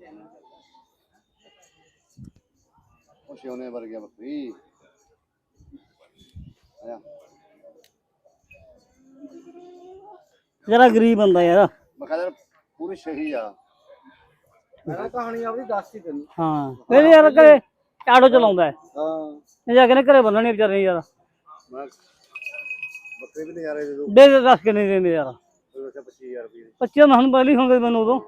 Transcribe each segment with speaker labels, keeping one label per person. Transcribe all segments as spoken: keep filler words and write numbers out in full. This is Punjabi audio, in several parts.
Speaker 1: सोने वर्गिया बकरी
Speaker 2: जरा गरीब बंदा यार
Speaker 1: मैं पूरी सही आ
Speaker 3: कहानी अपनी दस ही तेन
Speaker 2: हाँ मेरे यार घरे आटो चलाਉਂਦਾ है
Speaker 3: हाँ
Speaker 2: जा के घरे ਬੰਨਣੇ ਵਿਚਾਰੇ यार
Speaker 1: ਬੱਕਰੇ ਵੀ ਨਜ਼ਾਰੇ ਦੇ ਦੋ
Speaker 2: ਦੇ ਦੇ ਦੱਸ ਕੇ ਨਹੀਂ ਦਿੰਦੇ ਯਾਰ
Speaker 1: पच्चीस हजार रुपये
Speaker 2: ਪੱਚੀ ਮੈਂ ਹੁਣ ਪਹਿਲੀ ਹੋਗੇ ਮੈਨੂੰ ਉਦੋਂ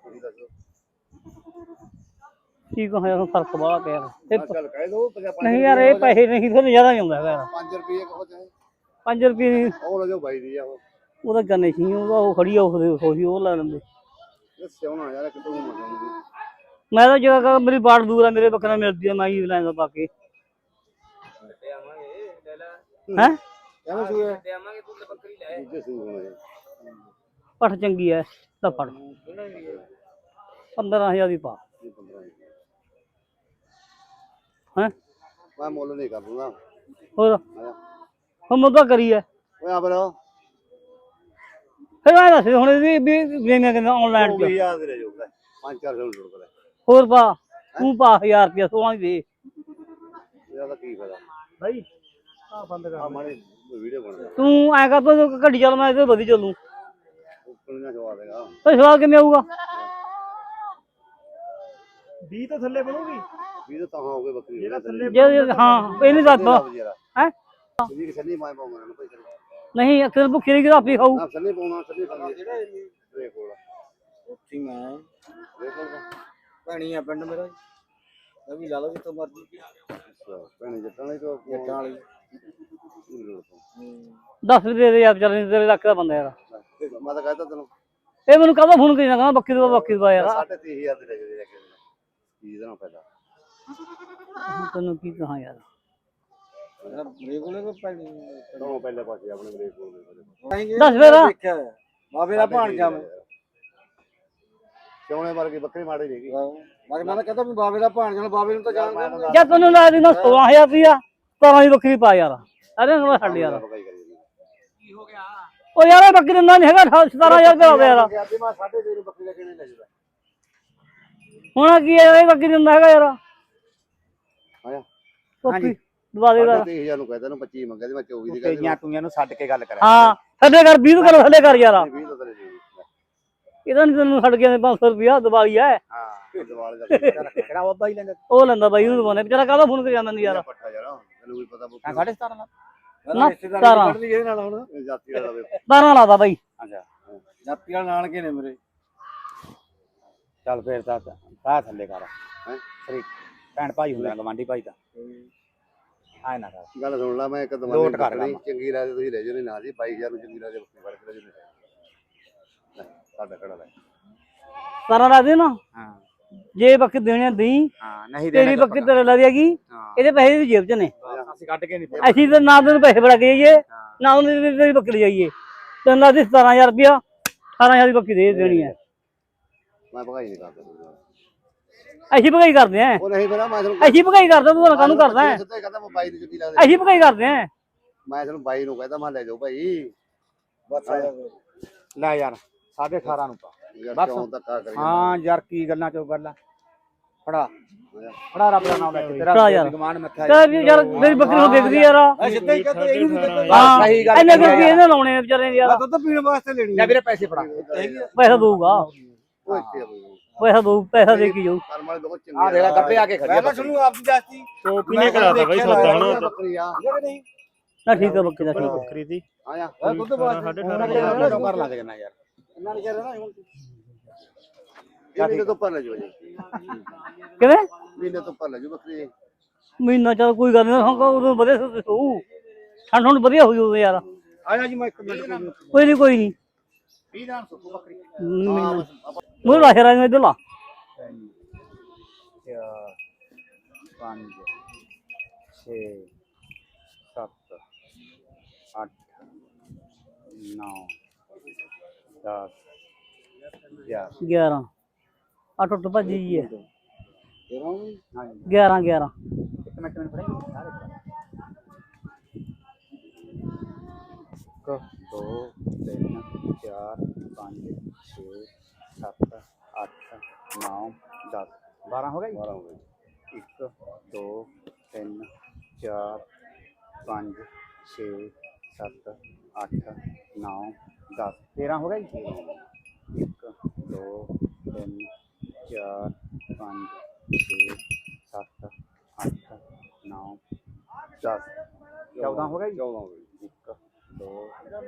Speaker 2: ਕੀ ਕਹਾਂ ਯਾਰ ਫਰਕ ਬੜਾ ਪਿਆ ਤੇ
Speaker 1: चल कह दो
Speaker 2: ਨਹੀਂ ਯਾਰ ਇਹ ਪੈਸੇ ਨਹੀਂ ਫਿਰ ਜ਼ਿਆਦਾ ਹੀ ਆਉਂਦਾ ਯਾਰ
Speaker 1: पाँच रुपये कहो चाहे
Speaker 2: ਪੰਜ ਰੁਪਏ ਦੀ
Speaker 1: ਉਹ ਲੈ ਜਾਓ ਬਾਈ ਦੀ ਆ ਉਹ
Speaker 2: ਉਹਦਾ ਗੰਨੇ ਸੀ ਉਹਦਾ ਉਹ ਖੜੀ ਆ ਉਹਦੇ ਉਹੀ ਉਹ ਲੈ ਲੈਂਦੇ
Speaker 1: ਇਹ ਸਿਉਣਾ ਯਾਰ ਕਿਤੋਂ ਮੰਗਾਉਂਦੀ
Speaker 2: ਮੈਂ ਤਾਂ ਜਗ੍ਹਾ ਮੇਰੀ ਬਾੜ ਦੂਰ ਆ ਮੇਰੇ ਬੱਕਰਾ ਮਿਲਦੀ ਆ ਮੈਂ ਹੀ ਲੈਂਦਾ ਪਾ ਕੇ ਹੈ
Speaker 3: ਐਵੇਂ ਸੂਏ
Speaker 1: ਦੂਜੇ ਸੂ ਹੋਣੇ
Speaker 2: ਪੱਠ ਚੰਗੀ ਐ ਤਾਂ ਫੜ ਪੰਦਰਾਂ ਹਜ਼ਾਰ ਦੀ ਪਾ ਹੈ
Speaker 1: ਮੈਂ ਮੁੱਲ ਨਹੀਂ ਕਰ ਦੂੰਗਾ
Speaker 2: ਹੋਰ ਹੁਣ ਮੁੱਦਾ ਕਰੀ ਐ
Speaker 1: ਓਏ ਆ ਬਰੋ
Speaker 2: ਫਿਰ ਮੈਂ ਦੱਸ ਹੁਣ ਇਹਦੀ ਵੀ ਵੇਖਿਆ ਕਹਿੰਦਾ ਆਨਲਾਈਨ ਚ
Speaker 1: ਯਾਦ ਰਹਿ ਜਾਊਗਾ ਪੰਜ ਚਾਰ ਸੌ ਜੋੜ ਕਰ
Speaker 2: ਹੋਰ ਪਾ ਤੂੰ ਪਾ ਹਜ਼ਾਰ ਰੁਪਇਆ ਸੋਲਾਂ ਦੀ ਦੇ
Speaker 1: ਇਹਦਾ ਤਾਂ ਕੀ ਫਾਇਦਾ
Speaker 2: ਭਾਈ ਆ ਬੰਦ
Speaker 1: ਆ ਮਾੜੇ ਵੀਡੀਓ ਬਣਦਾ
Speaker 2: ਤੂੰ ਐ ਕਰ ਤੂੰ ਗੱਡੀ ਚੱਲ ਮੈਂ ਇਹਦੇ ਵਧੀ ਚੱਲੂ
Speaker 1: ਉੱਪਰ ਨਾ ਜਵਾ ਦੇਗਾ
Speaker 2: ਤੇ ਸਵਾਲ ਕਿਵੇਂ ਆਊਗਾ
Speaker 3: ਵੀਹ ਤੋਂ ਥੱਲੇ ਬਣੂਗੀ
Speaker 1: ਵੀ ਤਾਂ ਹੋ ਗਏ ਬੱਕਰੀ ਜਿਹੜਾ ਥੱਲੇ
Speaker 2: ਜੇ ਹਾਂ ਇਹ ਨਹੀਂ ਦੱਸ ਹੈ
Speaker 1: ਜੀ ਛੱਲੀ ਮਾਏ ਪਾਉਂਗਾ ਨਾ ਭਾਈ
Speaker 2: ਨਹੀਂ ਅਕਸਰ ਭੁੱਖੀ ਨਹੀਂ ਗਰਾਫੀ ਖਾਊ
Speaker 1: ਨਾ ਛੱਲੀ ਪਾਉਣਾ ਛੱਲੀ ਪਾਉਣਾ ਜਿਹੜਾ ਇਹ ਕੋਲ
Speaker 3: ਉੱਥੀ ਮੈਂ
Speaker 1: ਦੇਖੋ
Speaker 3: ਭੈਣੀ ਆ ਪਿੰਡ ਮੇਰਾ ਇਹ ਵੀ ਲਾ ਲਓ ਜਿੱਥੋਂ ਮਰਜ਼ੀ
Speaker 1: ਅੱਛਾ ਭੈਣੇ ਜੱਟਾਂ ਵਾਲੀ ਤੋਂ
Speaker 3: ਜੱਟਾਂ ਵਾਲੀ
Speaker 2: ਦਸ ਰੁਪਏ ਦੇ ਯਾਰ ਚੱਲ ਤੇਰੇ ਲੱਖ ਦਾ ਬੰਦਾ ਯਾਰ
Speaker 1: ਮੈਂ ਤਾਂ ਕਹਿਤਾ ਤੈਨੂੰ
Speaker 2: ਇਹ ਮੈਨੂੰ ਕਹਦਾ ਫੋਨ ਕਰੀ ਨਾ ਕਹਿੰਦਾ ਬੱਕੀ ਦਾ ਬੱਕੀ ਦਾ ਯਾਰ
Speaker 1: ਸਾਢੇ ਤੀਹ ਹਜ਼ਾਰ ਦੇ ਲੈ ਕੇ ਲੈ ਕੇ ਕੀ ਦੇਣਾ ਪਹਿਲਾਂ
Speaker 2: ਤੈਨੂੰ ਕੀ ਕਹਾਂ ਯਾਰ
Speaker 3: ਮੇਰੇ ਕੋਲੇ ਕੋ ਪੈਣੀ
Speaker 1: ਦੋਨੋਂ ਪਹਿਲੇ ਪਾਸੇ ਆਪਣੇ ਬ੍ਰੇਕ ਕੋਲ
Speaker 2: ਦੱਸ ਫਿਰ
Speaker 3: ਦੇਖਿਆ ਬਾਬੇ ਦਾ ਭਾਣਜਾ ਮੈਂ
Speaker 1: ਸੋਨੇ ਵਰਗੀ ਬੱਕਰੀ ਮਾੜੀ ਨਹੀਂ ਗਈ
Speaker 3: ਮੈਂ ਮੈਂ ਤਾਂ ਕਹਤਾ ਵੀ ਬਾਬੇ ਦਾ ਭਾਣਜਾ ਨੂੰ ਬਾਬੇ ਨੂੰ ਤਾਂ ਜਾਣਦਾ
Speaker 2: ਜਾਂ ਤੈਨੂੰ ਲਾ ਦੇਣਾ ਸੋਲਾਂ ਹਜ਼ਾਰ ਰੁਪਇਆ ਸਤਾਰਾਂ ਦੀ ਬੱਕਰੀ ਪਾ ਯਾਰ ਅਰੇ ਨਾ ਛੱਡ ਯਾਰ
Speaker 3: ਕੀ ਹੋ ਗਿਆ
Speaker 2: ਉਹ ਯਾਰ ਇਹ ਬੱਕਰੀ ਦਿੰਦਾ ਨਹੀਂ ਹੈਗਾ ਸਤਾਰਾਂ ਹਜ਼ਾਰ ਰੁਪਇਆ ਹੋਵੇ ਯਾਰ
Speaker 1: ਮੈਂ ਸਾਢੇ ਤੀਹ ਨੂੰ ਬੱਕਰੀ ਲੈ ਕੇ ਨਹੀਂ ਲੈ ਜੂਗਾ
Speaker 2: ਹੁਣ ਕੀ ਹੈ ਇਹ ਬੱਕਰੀ ਦਿੰਦਾ ਹੈਗਾ ਯਾਰ
Speaker 1: ਆਇਆ
Speaker 2: ਹਾਂਜੀ ਦਵਾ ਦੇ ਯਾਰ
Speaker 1: ਤੀਹ ਹਜ਼ਾਰ ਨੂੰ ਕਹਿੰਦਾ ਨੂੰ ਪੱਚੀ ਮੰਗਿਆ ਤੇ ਮੈਂ ਚੌਵੀ ਦੀ
Speaker 3: ਕਈਆਂ ਤੂੰ ਇਹਨੂੰ ਛੱਡ ਕੇ ਗੱਲ ਕਰਾਂ
Speaker 2: ਹਾਂ ਥੱਲੇ ਕਰ ਵੀਹ ਕਰ ਥੱਲੇ ਕਰ ਯਾਰ
Speaker 1: ਵੀਹ ਤਾਂ ਤੇਰੇ ਜੀ
Speaker 2: ਇਹਦਾ ਨਹੀਂ ਤੈਨੂੰ ਛੱਡ ਗਿਆ ਪੰਜ ਸੌ ਰੁਪਇਆ ਦਵਾਈ ਹੈ
Speaker 1: ਹਾਂ ਦਿਵਾਲ ਦਾ
Speaker 3: ਕਿਹੜਾ ਬਾਬਾ ਹੀ ਲੈਂਦਾ
Speaker 2: ਉਹ ਲੈਂਦਾ ਬਾਈ ਉਹਨੂੰ ਦਵਾਉਣੇ ਵਿਚਾਰਾ ਕਾਹਦਾ ਫੋਨ ਕਰੀ ਜਾਂਦਾ ਨਹੀਂ ਯਾਰ
Speaker 1: ਪੱਠਾ ਯਾਰ ਤੈਨੂੰ ਵੀ ਪਤਾ
Speaker 3: ਮੈਂ ਸਾਢੇ ਸਤਾਰਾਂ ਦਾ
Speaker 2: ਨਾ ਸਤਾਰਾਂ
Speaker 3: ਇਹਦੇ ਨਾਲ ਹੁਣ
Speaker 1: ਜਾਤੀ ਵਾਲਾ ਵੇ
Speaker 2: ਬਾਰਾਂ ਲਾਦਾ ਬਾਈ
Speaker 3: ਅੱਛਾ ਜਾਤੀ ਵਾਲ ਨਾਲ ਕੇ ਨੇ ਮੇਰੇ ਚੱਲ ਫੇਰ ਤਾਂ ਆ ਥੱਲੇ ਕਰ
Speaker 1: ਹੈ
Speaker 3: ਸਰੀ ਭੈਣ ਭਾਈ ਹੁੰਦਾ ਗਵਾਂਢੀ ਭਾਈ ਦਾ ਆਏ ਨਾ ਕਰ
Speaker 1: ਗੱਲ ਸੁਣ ਲਾ ਮੈਂ ਇੱਕ
Speaker 3: ਲੋਟ
Speaker 1: ਦਵਾਈ
Speaker 3: ਕਰ ਲਾ।
Speaker 1: ਚੰਗੀ ਰਾਜ ਤੁਸੀਂ ਲੈ ਜਾਓ ਨਾ ਜੀ ਬਾਈ ਹਜ਼ਾਰ ਨੂੰ ਚੰਗੀ ਰਾਜ ਬੱਕਰੀ ਫੜ ਕੇ ਲੈ ਜਾਓ ਸਾਡਾ ਖੜਾ ਲੈ
Speaker 2: ਸਤਾਰਾਂ ਲਾ ਦੇ ਨਾ
Speaker 3: ਹਾਂ
Speaker 2: ਜੇ ਬੱਕਰੀ ਦੇਣੇ ਦੇਈ
Speaker 3: ਹਾਂ ਨਹੀਂ
Speaker 2: ਤੇਰੀ ਬੱਕਰੀ ਤੇਰੇ ਲਾ ਦੇਗੀ ਇਹਦੇ ਪੈਸੇ ਦੀ ਜੇਬ ਚ ਨੇ
Speaker 3: ਅਸੀਂ ਕੱਢ ਕੇ ਨਹੀਂ
Speaker 2: ਅਸੀਂ ਤਾਂ ਨਾ ਤੈਨੂੰ ਪੈਸੇ ਫੜਾ ਕੇ ਜਾਈਏ ਨਾ ਉਹਨੇ ਤੇਰੀ ਬੱਕਰੀ ਜਾਈਏ ਤੈਨੂੰ ਲਾ ਦੇ ਸਤਾਰਾਂ ਹਜ਼ਾਰ ਰੁਪਇਆ ਅਠਾਰਾਂ ਹਜ਼ਾਰ ਦੀ ਬੱਕਰੀ ਦੇ ਦੇਣੀ ਹੈ
Speaker 1: ਮੈਂ ਭਗਾਈ ਨਹੀਂ ਕਰਦਾ
Speaker 2: ਅਸੀਂ ਭਗਾਈ ਕਰਦੇ ਆਂ
Speaker 1: ਉਹ ਨਹੀਂ ਮੇਰਾ ਮੈਂ ਤੁਹਾਨੂੰ
Speaker 2: ਅਸੀਂ ਭਗਾਈ ਕਰਦਾ ਤੂੰ ਕਾਹਨੂੰ ਕਰਦਾ ਹੈ
Speaker 1: ਸਿੱਧਾ ਕਹਿੰਦਾ ਮੈਂ ਬਾਈ ਨੂੰ ਚੰਗੀ ਲਾ ਦੇ
Speaker 2: ਅਸੀਂ ਭਗਾਈ ਕਰਦੇ ਆਂ
Speaker 1: ਮੈਂ ਤੁਹਾਨੂੰ ਬਾਈ ਨੂੰ ਕਹਿੰਦਾ ਮੈਂ ਲੈ ਜਾਓ ਭਾਈ
Speaker 3: ਬਸ ਲੈ ਯਾਰ ਸਾਢੇ ਅਠਾਰਾਂ ਨੂੰ ਪਾ
Speaker 1: ਯਾਰ ਕਿਉਂ ਧੱਕਾ ਕਰੀ
Speaker 3: ਹਾਂ ਯਾਰ ਕੀ ਗੱਲਾਂ ਚੋਂ ਗੱਲਾਂ ਫੜਾ ਫੜਾ ਰੱਬ ਦਾ ਨਾਮ ਲੈ ਕੇ
Speaker 2: ਫੜਾ
Speaker 3: ਤੇਰਾ
Speaker 2: ਯਾਰ।
Speaker 3: ਗਮਾਨ ਮੱਥਾ
Speaker 2: ਚੱਲ ਵੀ ਯਾਰ ਮੇਰੀ ਬੱਕਰੀ ਨੂੰ ਦੇਖਦੀ ਯਾਰ
Speaker 3: ਸਿੱਧਾ ਹੀ ਕਹਿੰਦੇ ਇਹਨੂੰ ਵੀ ਕਹਿੰਦੇ
Speaker 2: ਹਾਂ
Speaker 3: ਸਹੀ ਗੱਲ
Speaker 2: ਇੰਨੇ ਰੁਪਏ ਇਹਨੇ ਲਾਉਣੇ ਨੇ ਵਿਚਾਰੇ ਨੇ ਯਾਰ
Speaker 3: ਦੁੱਧ ਪੀਣ ਵਾਸਤੇ ਲੈਣੀ ਲੈ ਵੀਰੇ ਪੈਸੇ ਫੜਾ
Speaker 2: ਪੈਸਾ ਦਊਗਾ
Speaker 1: ਉਹ ਇੱਥੇ ਆ ਬਈ
Speaker 2: ਪੈਸਾ ਦਊ ਪੈਸਾ ਦੇ ਕੇ ਜਾਊ
Speaker 1: ਕਰਮ ਵਾਲੇ ਬਹੁਤ
Speaker 3: ਆ
Speaker 1: ਚੰਗੇ
Speaker 3: ਦੇਖ ਲੈ ਗੱਪੇ ਆ ਕੇ ਖੜੀ ਮੈਂ ਤੁਹਾਨੂੰ ਆਪ ਦੀ ਜਾਸਤੀ
Speaker 4: ਟੋਪੀ ਨੇ ਕਰਾਤਾ ਬਾਈ ਸੌਦਾ ਹਨਾ
Speaker 1: ਬੱਕਰੀ ਆ
Speaker 3: ਨਹੀਂ
Speaker 2: ਨਾ ਠੀਕ ਆ ਬੱਕਰੀ ਦਾ ਠੀਕ ਆ
Speaker 4: ਬੱਕਰੀ ਦੀ
Speaker 1: ਆਇਆ
Speaker 3: ਦੁੱਧ ਵਾਸਤੇ
Speaker 4: ਸਾਢੇ ਅਠਾਰਾਂ ਹਜ਼ਾਰ
Speaker 3: ਕਰ ਲਾ ਦੇਣਾ ਯਾਰ
Speaker 1: ਇਹਨਾਂ ਨੇ ਕਹਿ ਰਿਹਾ ਹੁਣ ਇਹ ਮਹੀਨੇ ਤੋਂ ਉੱਪਰ ਲੈ ਜਾਓ ਜੀ
Speaker 2: ਕਿਵੇਂ
Speaker 1: ਮਹੀਨੇ ਤੋਂ ਉੱਪਰ ਲੈ ਜਾਓ ਬੱਕਰੀ
Speaker 2: ਮਹੀਨਾ ਚੱਲ ਕੋਈ ਗੱਲ ਨਹੀਂ ਹਾਂ ਉਦੋਂ ਵਧੀਆ ਸੂ ਠੰਡ ਹੁਣ ਵਧੀਆ ਹੋਈ ਉਦੋਂ ਯਾਰ
Speaker 3: ਆਇਆ ਜੀ ਮੈਂ ਇੱਕ ਮਿੰਟ
Speaker 2: ਕੋਈ ਨਹੀਂ ਕੋਈ ਨਹੀਂ
Speaker 3: ਵੀਹ ਨਾਲ ਸੁੱਕੂ ਬੱਕਰੀ
Speaker 2: ਮੈਨੂੰ ਲਾ ਸ਼ਰਾ ਨੂੰ ਇੱਧਰ ਲਾ
Speaker 3: ਚਾਰ ਪੰਜ ਛੇ ਸੱਤ ਅੱਠ ਨੌ ਦਸ ਗਿਆਰਾਂ
Speaker 2: ਗਿਆਰਾਂ ਆ ਟੁੱਟ ਭੱਜੀ ਜੀ ਹੈ
Speaker 3: ਹਾਂਜੀ
Speaker 2: ਗਿਆਰਾਂ ਗਿਆਰਾਂ
Speaker 3: ਇੱਕ ਮਿੰਟ ਮੈਨੂੰ ਫੜਾਈ ਸਾਰੇ ਇੱਕ ਦੋ ਤਿੰਨ ਚਾਰ ਪੰਜ ਛੇ ਸੱਤ ਅੱਠ ਨੌ ਦਸ ਹੋ ਗਿਆ ਜੀ
Speaker 1: ਬਾਰਾਂ ਹੋ ਗਏ
Speaker 3: ਇੱਕ ਦੋ ਤਿੰਨ ਚਾਰ ਪੰਜ ਛੇ ਸੱਤ ਅੱਠ ਨੌ ਦਸ ਤੇਰਾਂ ਹੋ ਗਿਆ ਜੀ ਇੱਕ ਦੋ ਤਿੰਨ ਚਾਰ ਪੰਜ ਛੇ ਸੱਤ ਅੱਠ ਨੌ ਦਸ ਚੌਦਾਂ ਹੋ ਗਿਆ ਜੀ
Speaker 1: ਚੌਦਾਂ ਹੋ ਗਏ
Speaker 3: ਇੱਕ ਦੋ ਤਿੰਨ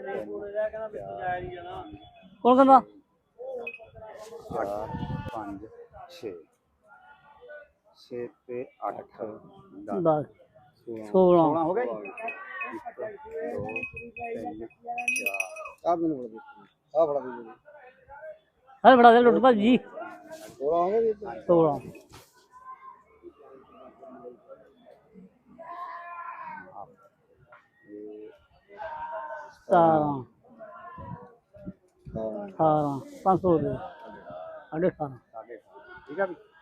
Speaker 2: ਕੌਣ ਕਹਿੰਦਾ
Speaker 3: ਚਾਰ ਪੰਜ ਛੇ ਛੇ ਤੇ ਅੱਠ ਦਸ
Speaker 2: ਦਸ
Speaker 3: ਸੋਲਾਂ
Speaker 2: ਸੋਲਾਂ
Speaker 3: ਹੋ ਗਿਆ ਜੀ ਇੱਕ ਦੋ ਤਿੰਨ ਚਾਰ ਆ ਮੈਨੂੰ ਬੜਾ ਆ ਬੜਾ ਦੇ
Speaker 2: ਹਰ ਬੜਾ ਦੇ ਲੁੱਟ ਭਾਜੀ
Speaker 3: ਸੋਲਾਂ ਹੋ ਗਿਆ ਜੀ
Speaker 2: ਸੋਲਾਂ ਸਤਾਰਾਂ ਅਠਾਰਾਂ ਪੰਜ ਸੌ ਰੁਪਏ ਸਾਢੇ ਅਠਾਰਾਂ
Speaker 3: ਸਾਡੇ ਠੀਕ ਆ ਵੀ